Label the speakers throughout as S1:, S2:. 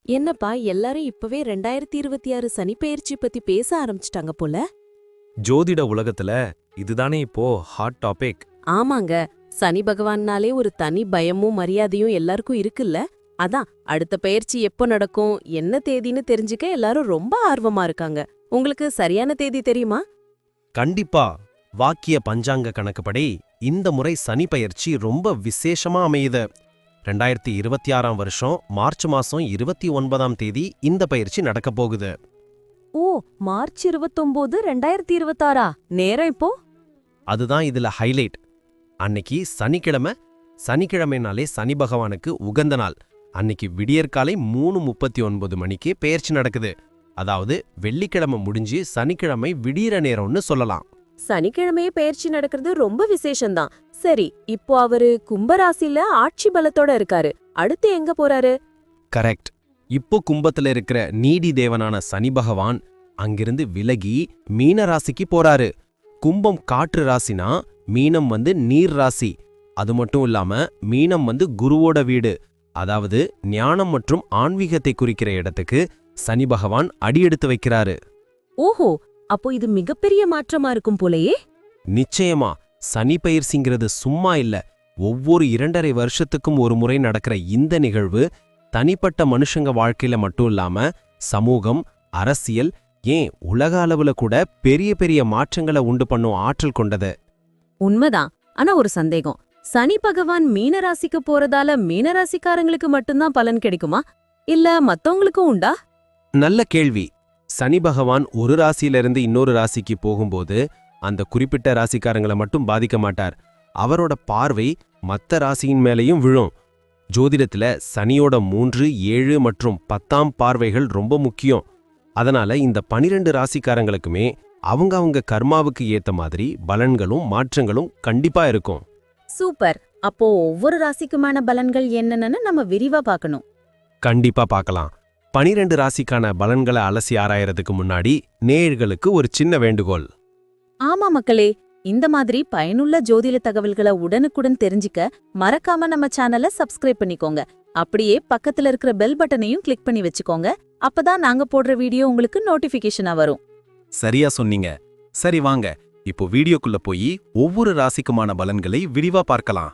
S1: என்னப்பா எல்லாரும் இப்பவே 2026 சனிப்பெயர்ச்சி பத்தி பேச ஆரம்பிச்சிட்டாங்க போல.
S2: ஜோதிட உலகத்துல இதுதானே இப்போ ஹாட் டாபிக்.
S1: ஆமாங்க, சனி பகவான்னாலே ஒரு தனி பயமும் மரியாதையும் எல்லாருக்கும் இருக்குல்ல. அதான் அடுத்த பெயர்ச்சி எப்போ நடக்கும், என்ன தேதின்னு தெரிஞ்சுக்க எல்லாரும் ரொம்ப ஆர்வமா இருக்காங்க. உங்களுக்கு சரியான தேதி தெரியுமா?
S3: கண்டிப்பா. வாக்கிய பஞ்சாங்க கணக்குப்படி இந்த முறை சனி பயிற்சி ரொம்ப விசேஷமா அமையுது. 2026ஆம் வருஷம் மார்ச் மாசம் 29ஆம் தேதி இந்த பயிற்சி நடக்கப் போகுது.
S1: ஓ, மார்ச் 29, 2026. நேரம் இப்போ?
S3: அதுதான் இதுல ஹைலைட். அன்னைக்கு சனிக்கிழமை. சனிக்கிழமைனாலே சனி பகவானுக்கு உகந்த நாள். அன்னைக்கு விடியற்காலை 3:39 மணிக்கு பெயர்ச்சி நடக்குது. அதாவது வெள்ளிக்கிழமை முடிஞ்சு சனிக்கிழமை விடியற நேரம்னு சொல்லலாம்.
S1: சனிக்கிழமையே பெயர்ச்சி நடக்கிறது ரொம்ப விசேஷம்தான். சரி, இப்போ அவரு கும்பராசில ஆட்சி பலத்தோட இருக்காரு. அடுத்து எங்க போறாரு?
S3: கரெக்ட். இப்போ கும்பத்துல இருக்கிற நீடி தேவனான சனி பகவான் அங்கிருந்து விலகி மீன ராசிக்கு போறாரு. கும்பம் காற்று ராசினா மீனம் நீர் ராசி. அது மட்டும் இல்லாம மீனம் குருவோட வீடு. அதாவது ஞானம் மற்றும் ஆன்மீகத்தை குறிக்கிற இடத்துக்கு சனி பகவான் அடியெடுத்து வைக்கிறாரு.
S1: ஓஹோ, அப்போ இது மிகப்பெரிய மாற்றமா இருக்கும் போலயே.
S3: நிச்சயமா. சனி பயிற்சிங்கிறது சும்மா இல்ல. ஒவ்வொரு 2.5 வருஷத்துக்கும் ஒரு முறை நடக்கிற இந்த நிகழ்வு தனிப்பட்ட மனுஷங்க வாழ்க்கையில மட்டும் இல்லாம சமூகம், அரசியல், ஏன் உலக அளவுல கூட பெரிய பெரிய மாற்றங்களை உண்டு பண்ணும் ஆற்றல் கொண்டது.
S1: உண்மைதான். ஆனா ஒரு சந்தேகம், சனி பகவான் மீனராசிக்கு போறதால மீனராசிக்காரங்களுக்கு மட்டும்தான் பலன் கிடைக்குமா, இல்ல மத்தவங்களுக்கும் உண்டா?
S3: நல்ல கேள்வி. சனி பகவான் ஒரு ராசியிலிருந்து இன்னொரு ராசிக்கு போகும்போது அந்த குறிப்பிட்ட ராசிக்காரங்களை மட்டும் பாதிக்க மாட்டார். அவரோட பார்வை மத்த ராசியின் மேலையும் விழும். ஜோதிடத்துல சனியோட 3, 7 மற்றும் 10ஆம் பார்வைகள் ரொம்ப முக்கியம். அதனால இந்த 12 ராசிக்காரங்களுக்குமே அவங்க கர்மாவுக்கு ஏத்த மாதிரி பலன்களும் மாற்றங்களும் கண்டிப்பா இருக்கும்.
S1: சூப்பர். அப்போ ஒவ்வொரு ராசிக்குமான பலன்கள் என்னன்னு நம்ம விரிவா பார்க்கணும்.
S3: கண்டிப்பா பார்க்கலாம். 12 ராசிக்கான பலன்களை அலசி ஆராயறதுக்கு முன்னாடி நேயர்களுக்கு ஒரு சின்ன வேண்டுகோள்.
S1: ஆமா மக்களே, இந்த மாதிரி பயனுள்ள ஜோதிட தகவல்களை உடனுக்குடன் தெரிஞ்சுக்க மறக்காம நம்ம சேனலை சப்ஸ்கிரைப் பண்ணிக்கோங்க. அப்படியே பக்கத்துல இருக்கிற பெல் பட்டனையும் கிளிக் பண்ணி வச்சுக்கோங்க. அப்பதான் நாங்க போடுற வீடியோ உங்களுக்கு நோட்டிபிகேஷனா வரும்.
S4: சரியா சொன்னீங்க. சரி வாங்க, இப்போ வீடியோக்குள்ள போய் ஒவ்வொரு ராசிக்குமான பலன்களை விரிவா பார்க்கலாம்.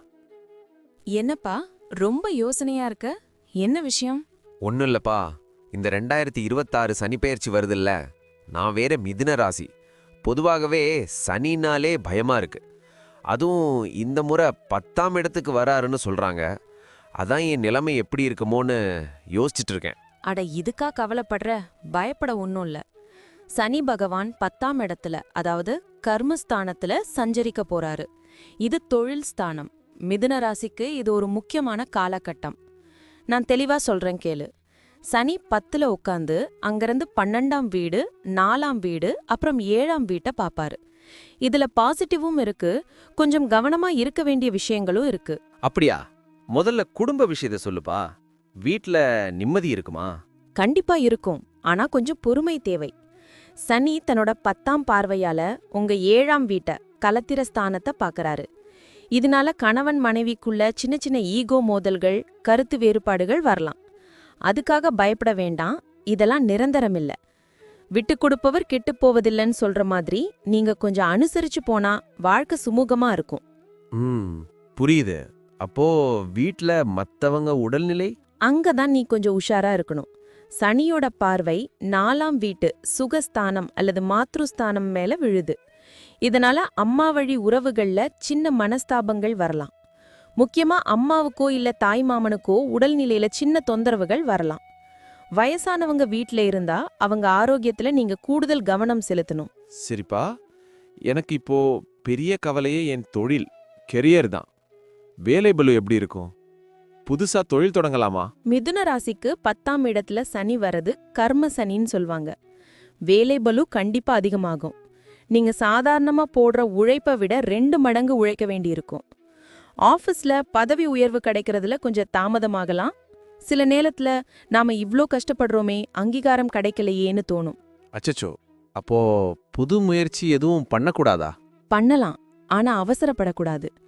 S5: என்னப்பா ரொம்ப யோசனையா இருக்க? என்ன விஷயம்?
S6: ஒன்னும் இல்லப்பா, இந்த 2026 சனிப்பெயர்ச்சி வருதுல்ல, நான் வேற மிதுன ராசி. பொதுவாகவே சனினாலே பயமா இருக்கு. அதுவும் இந்த முறை 10ஆம் இடத்துக்கு வராருன்னு சொல்றாங்க. அதான் என் நிலைமை எப்படி இருக்குமோன்னு யோசிச்சுட்டு இருக்கேன்.
S5: அட, இதுக்கா கவலைப்படுற? பயப்பட ஒன்னும் இல்ல. சனி பகவான் 10ஆம் இடத்துல, அதாவது கர்மஸ்தானத்துல சஞ்சரிக்க போறாரு. இது தொழில் ஸ்தானம். மிதுன ராசிக்கு இது ஒரு முக்கியமான காலகட்டம். நான் தெளிவா சொல்றேன் கேளு. சனி 10ல உட்காந்து அங்கிருந்து 12ஆம் வீடு, 4ஆம் வீடு, அப்புறம் 7ஆம் வீட்டை பாப்பாரு. இதுல பாசிட்டிவும் இருக்கு, கொஞ்சம் கவனமா இருக்க வேண்டிய விஷயங்களும் இருக்கு.
S6: அப்படியா? முதல்ல குடும்ப விஷயத்த சொல்லுப்பா. வீட்ல நிம்மதி இருக்குமா?
S5: கண்டிப்பா இருக்கும், ஆனா கொஞ்சம் பொறுமை தேவை. சனி தன்னோட 10ஆம் பார்வையால உங்க 7ஆம் வீட்டை, கலத்திர ஸ்தானத்தை பாக்கறாரு. இதனால கணவன் மனைவிக்குள்ள சின்ன சின்ன ஈகோ மோதல்கள், கருத்து வேறுபாடுகள் வரலாம். அதுக்காக பயப்பட வேண்டாம், இதெல்லாம் நிரந்தரமில்ல. விட்டு கொடுப்பவர் கெட்டுப் போவதில்லைன்னு சொல்ற மாதிரி நீங்க கொஞ்சம் அனுசரிச்சு போனா வாழ்க்கை சுமூகமா இருக்கும்.
S6: புரியுது. அப்போ வீட்ல மத்தவங்க உடல்நிலை?
S5: அங்கதான் நீ கொஞ்சம் உஷாரா இருக்கணும். சனியோட பார்வை 4ஆம் வீட்டு சுகஸ்தானம் அல்லது மாத்ருஸ்தானம் மேல விழுது. இதனால அம்மா வழி உறவுகள்ல சின்ன மனஸ்தாபங்கள் வரலாம். முக்கியமா அம்மாவுக்கோ இல்ல தாய் மாமனுக்கோ உடல்நிலையில சின்ன தொந்தரவுகள் வரலாம். வயசானவங்க வீட்ல இருந்தா அவங்க ஆரோக்கியத்துல நீங்க கூடுதல் கவனம் செலுத்தணும்.
S7: சரிப்பா, எனக்கு இப்போ பெரிய கவலையே என் தொழில், கெரியர் தான். வேலை பளு எப்படி இருக்கும்? புதுசா தொழில் தொடங்கலாமா?
S5: மிதுன ராசிக்கு 10ஆம் இடத்துல சனி வரது கர்ம சனின்னு சொல்வாங்க. வேலை பளு கண்டிப்பா அதிகமாகும். நீங்க சாதாரணமா போடுற உழைப்பை விட 2 மடங்கு உழைக்க வேண்டியிருக்கும். ஆஃபீஸ்ல பதவி உயர்வு கிடைக்கிறதுல கொஞ்சம் தாமதமாகலாம். சில நேரத்துல நாம இவ்ளோ கஷ்டப்படுறோமே, அங்கீகாரம் கிடைக்கலையேன்னு தோணும்.
S7: அச்சச்சோ, அப்போ புது முயற்சி எதுவும் பண்ணக்கூடாதா?
S5: பண்ணலாம், ஆனா அவசரப்படக்கூடாது.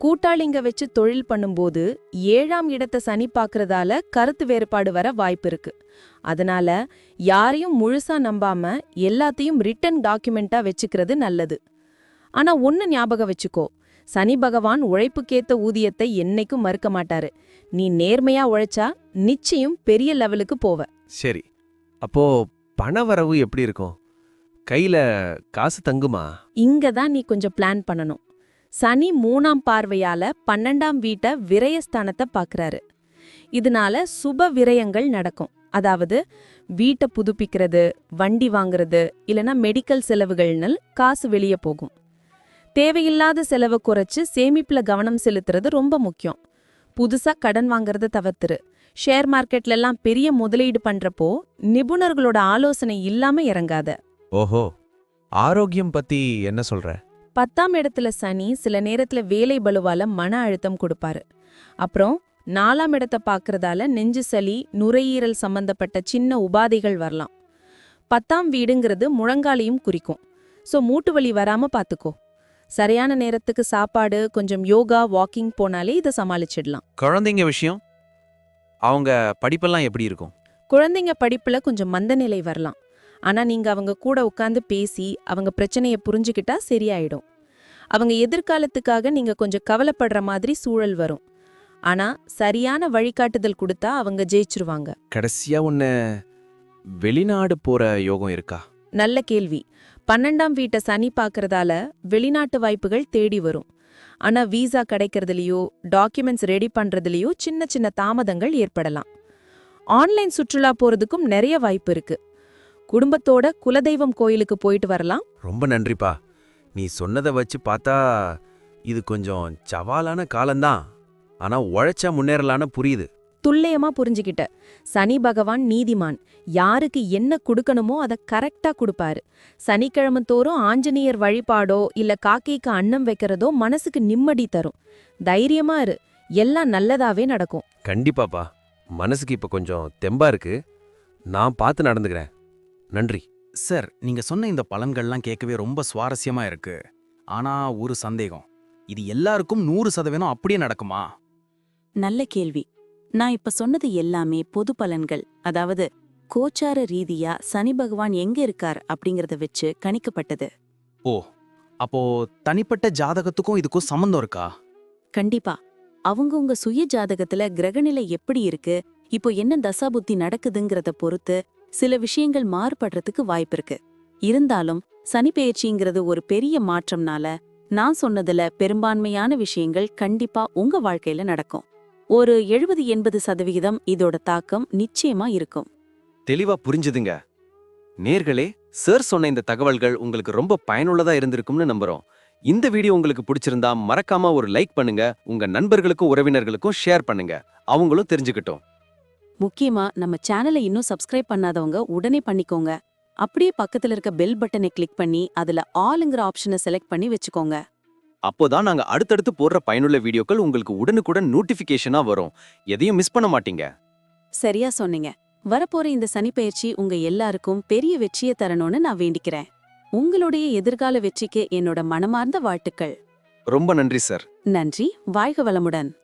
S5: கூட்டாளிங்க வச்சு தொழில் பண்ணும்போது 7ஆம் இடத்தை சனி பார்க்கறதால கருத்து வேறுபாடு வர வாய்ப்பு இருக்கு. அதனால யாரையும் முழுசா நம்பாம எல்லாத்தையும் ரிட்டன் டாக்குமெண்டா வச்சுக்கிறது நல்லது. ஆனா ஒன்னு ஞாபகம் வச்சுக்கோ, சனி பகவான் உழைப்புக்கேத்த ஊதியத்தை என்னைக்கும் மறுக்க மாட்டாரு. நீ நேர்மையா உழைச்சா நிச்சயம் பெரிய லெவலுக்கு போவ.
S6: சரி, அப்போ பணவரவு எப்படி இருக்கும்? கையில காசு தங்குமா?
S5: இங்க தான் நீ கொஞ்சம் பிளான் பண்ணணும். சனி 3ஆம் பார்வையால 12ஆம் வீட்டை விரயஸ்தானத்தை பார்க்கறாரு. இதனால சுப விரயங்கள் நடக்கும். அதாவது வீட்டை புதுப்பிக்கிறது, வண்டி வாங்குறது, இல்லனா மெடிக்கல் செலவுகள்னு காசு வெளியே போகும். தேவையில்லாத செலவை குறைச்சு சேமிப்புல கவனம் செலுத்துறது ரொம்ப முக்கியம். புதுசா கடன் வாங்குறத தவிர்த்துரு. ஷேர் மார்க்கெட்ல எல்லாம் பெரிய முதலீடு பண்றப்போ நிபுணர்களோட ஆலோசனை இல்லாம இறங்காத.
S6: ஓஹோ, ஆரோக்கியம் பத்தி என்ன சொல்ற?
S5: 10ஆம் இடத்துல சனி சில நேரத்துல வேலை பளுவால மன அழுத்தம் கொடுப்பாரு. அப்புறம் 4ஆம் இடத்தை பார்க்கறதால நெஞ்சு சளி, நுரையீரல் சம்பந்தப்பட்ட சின்ன உபாதைகள் வரலாம். 10ஆம் வீடுங்கிறது முழங்காலையும் குறிக்கும். சோ மூட்டு வலி வராம பாத்துக்கோ. சரியான நேரத்துக்கு சாப்பாடு, கொஞ்சம் யோகா, வாக்கிங் போனாலே இதை சமாளிச்சிடலாம்.
S4: குழந்தைங்க விஷயம், அவங்க படிப்பெல்லாம் எப்படி இருக்கும்?
S5: குழந்தைங்க படிப்புல கொஞ்சம் மந்தநிலை வரலாம். ஆனா நீங்க அவங்க கூட உட்கார்ந்து பேசி அவங்க பிரச்சனைய புரிஞ்சுக்கிட்டா சரியாயிடும். அவங்க எதிர்காலத்துக்காக நீங்க கொஞ்சம் கவலைப்படுற மாதிரி சூழல் வரும். ஆனா சரியான வழிகாட்டுதல் கொடுத்தா அவங்க ஜெயிச்சிருவாங்க.
S7: கடைசியா வெளிநாடு போற யோகம் இருக்கா?
S5: நல்ல கேள்வி. 12ஆம் வீட்டை சனி பார்க்கறதால வெளிநாட்டு வாய்ப்புகள் தேடி வரும். ஆனா வீசா கிடைக்கிறதுலயோ டாக்குமெண்ட்ஸ் ரெடி பண்றதுலயோ சின்ன சின்ன தாமதங்கள் ஏற்படலாம். ஆன்லைன் சுற்றுலா போறதுக்கும் நிறைய வாய்ப்பு இருக்கு. குடும்பத்தோட குலதெய்வம் கோயிலுக்கு போயிட்டு வரலாம்.
S6: ரொம்ப நன்றிப்பா. நீ சொன்னதை வச்சு பார்த்தா இது கொஞ்சம் சவாலான காலம்தான். ஆனா உழைச்சா முன்னேறலான்னு புரியுது.
S5: துல்லியமா புரிஞ்சுக்கிட்ட. சனி பகவான் நீதிமான். யாருக்கு என்ன கொடுக்கணுமோ அதை கரெக்டா கொடுப்பாரு. சனிக்கிழமை தோறும் ஆஞ்சநேயர் வழிபாடோ இல்ல காக்கைக்கு அன்னம் வைக்கிறதோ மனசுக்கு நிம்மதி தரும். தைரியமா இரு, எல்லாம் நல்லதாவே நடக்கும்.
S6: கண்டிப்பாப்பா, மனசுக்கு இப்ப கொஞ்சம் தெம்பா இருக்கு. நான் பார்த்து நடந்துக்கிறேன். நன்றி
S4: சார், நீங்க சொன்ன இந்த பலன்கள்லாம் கேட்கவே ரொம்ப சுவாரஸ்யமா இருக்கு. ஆனா ஒரு சந்தேகம், இது எல்லாருக்கும் 100% அப்படியே நடக்குமா?
S1: நல்ல கேள்வி. நான் இப்ப சொன்னது எல்லாமே பொது பலன்கள். அதாவது கோச்சார ரீதியா சனி பகவான் எங்க இருக்கார் அப்படிங்கறத வச்சு கணிக்கப்பட்டது.
S4: ஓ, அப்போ தனிப்பட்ட ஜாதகத்துக்கும் இதுக்கும் சம்மந்தம் இருக்கா?
S1: கண்டிப்பா. அவங்கவங்க சுய ஜாதகத்துல கிரகநிலை எப்படி இருக்கு, இப்போ என்ன தசாபுத்தி நடக்குதுங்கிறத பொறுத்து சில விஷயங்கள் மாறுபடுறதுக்கு வாய்ப்பிருக்கு. இருந்தாலும் சனி பெயர்ச்சிங்கிறது ஒரு பெரிய மாற்றம்னால நான் சொன்னதுல பெரும்பான்மையான விஷயங்கள் கண்டிப்பா உங்க வாழ்க்கையில நடக்கும். ஒரு 70-80% இதோட தாக்கம் நிச்சயமா இருக்கும்.
S3: தெளிவா புரிஞ்சுதுங்க. நேர்களே, சார் சொன்ன இந்த தகவல்கள் உங்களுக்கு ரொம்ப பயனுள்ளதா இருந்திருக்கும்னு நம்புறோம். இந்த வீடியோ உங்களுக்கு பிடிச்சிருந்தா மறக்காம ஒரு லைக் பண்ணுங்க. உங்க நண்பர்களுக்கும் உறவினர்களுக்கும் ஷேர் பண்ணுங்க. அவங்களும் தெரிஞ்சுக்கிட்டோம்.
S1: முக்கியமா நம்ம சேனலை இன்னும் சப்ஸ்கிரைப் பண்ணாதவங்க உடனே பண்ணிக்கோங்க. அப்படியே பக்கத்துல இருக்க பெல் பட்டனை கிளிக் பண்ணி அதுல ஆல்ங்கிற ஆப்ஷனை செலக்ட் பண்ணி வச்சுக்கோங்க.
S3: அப்போதான் நாங்க அடுத்தடுத்து போடுற பயனுள்ள வீடியோக்கள் உங்களுக்கு உடனுக்குடன் நோட்டிபிகேஷனா வரும். எதையும் மிஸ் பண்ண மாட்டீங்க.
S1: சரியா சொன்னீங்க. வரப்போற இந்த சனிப்பெயர்ச்சி உங்க எல்லாருக்கும் பெரிய வெற்றியை தரணும்னு நான் வேண்டிக்கிறேன். உங்களுடைய எதிர்கால வெற்றிக்கு என்னோட மனமார்ந்த வாழ்த்துக்கள்.
S3: ரொம்ப நன்றி சார்.
S1: நன்றி. வாழ்க வளமுடன்.